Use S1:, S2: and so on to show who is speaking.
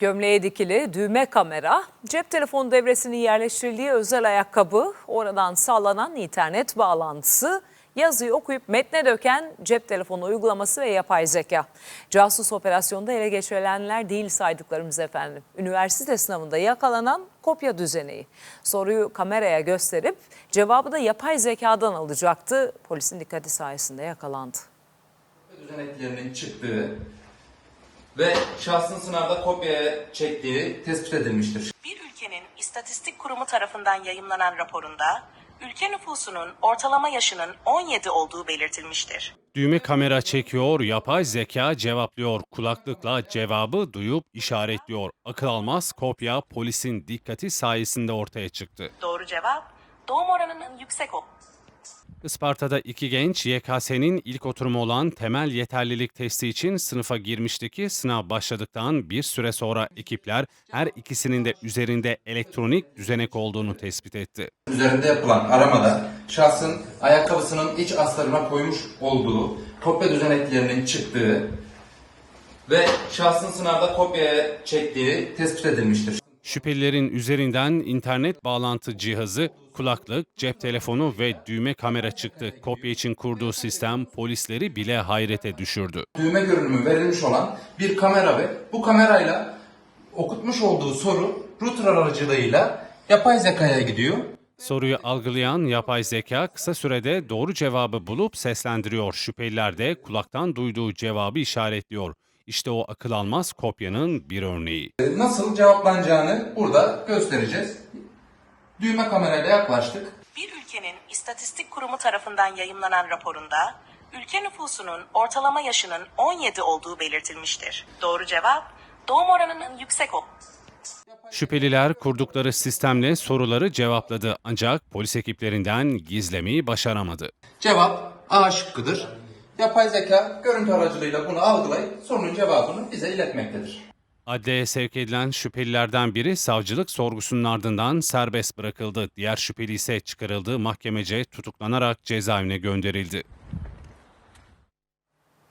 S1: Gömleğe dikili düğme kamera, cep telefonu devresinin yerleştirildiği özel ayakkabı, oradan sağlanan internet bağlantısı, yazıyı okuyup metne döken cep telefonu uygulaması ve yapay zeka. Casus operasyonda ele geçirilenler değil saydıklarımız efendim. Üniversite sınavında yakalanan kopya düzeneği. Soruyu kameraya gösterip cevabı da yapay zekadan alacaktı. Polisin dikkati sayesinde yakalandı.
S2: Düzeneklerinin çıktığı ve şahsın sınavda kopyaya çektiği tespit edilmiştir.
S3: Bir ülkenin istatistik kurumu tarafından yayımlanan raporunda ülke nüfusunun ortalama yaşının 17 olduğu belirtilmiştir.
S4: Düğme kamera çekiyor, yapay zeka cevaplıyor. Kulaklıkla cevabı duyup işaretliyor. Akıl almaz kopya polisin dikkati sayesinde ortaya çıktı.
S3: Doğru cevap, doğum oranının yüksek olması.
S4: Isparta'da iki genç YKS'nin ilk oturumu olan temel yeterlilik testi için sınıfa girmişti ki sınav başladıktan bir süre sonra ekipler her ikisinin de üzerinde elektronik düzenek olduğunu tespit etti.
S2: Üzerinde yapılan aramada şahsın ayakkabısının iç astarına koymuş olduğu kopya düzeneklerinin çıktığı ve şahsın sınavda kopyaya çektiği tespit edilmiştir.
S4: Şüphelilerin üzerinden internet bağlantı cihazı, kulaklık, cep telefonu ve düğme kamera çıktı. Kopya için kurduğu sistem polisleri bile hayrete düşürdü.
S2: Düğme görünümü verilmiş olan bir kamera ve bu kamerayla okutmuş olduğu soru router aracılığıyla yapay zekaya gidiyor.
S4: Soruyu algılayan yapay zeka kısa sürede doğru cevabı bulup seslendiriyor. Şüpheliler de kulaktan duyduğu cevabı işaretliyor. İşte o akıl almaz kopyanın bir örneği.
S2: Nasıl cevaplanacağını burada göstereceğiz. Düğme kamerayla yaklaştık.
S3: Bir ülkenin istatistik kurumu tarafından yayımlanan raporunda ülke nüfusunun ortalama yaşının 17 olduğu belirtilmiştir. Doğru cevap, doğum oranının yüksek olması.
S4: Şüpheliler kurdukları sistemle soruları cevapladı ancak polis ekiplerinden gizlemeyi başaramadı.
S2: Cevap A şıkkıdır. Yapay zeka görüntü aracılığıyla bunu algılayıp sorunun cevabını bize iletmektedir.
S4: Adliyeye sevk edilen şüphelilerden biri savcılık sorgusunun ardından serbest bırakıldı. Diğer şüpheli ise çıkarıldığı mahkemece tutuklanarak cezaevine gönderildi.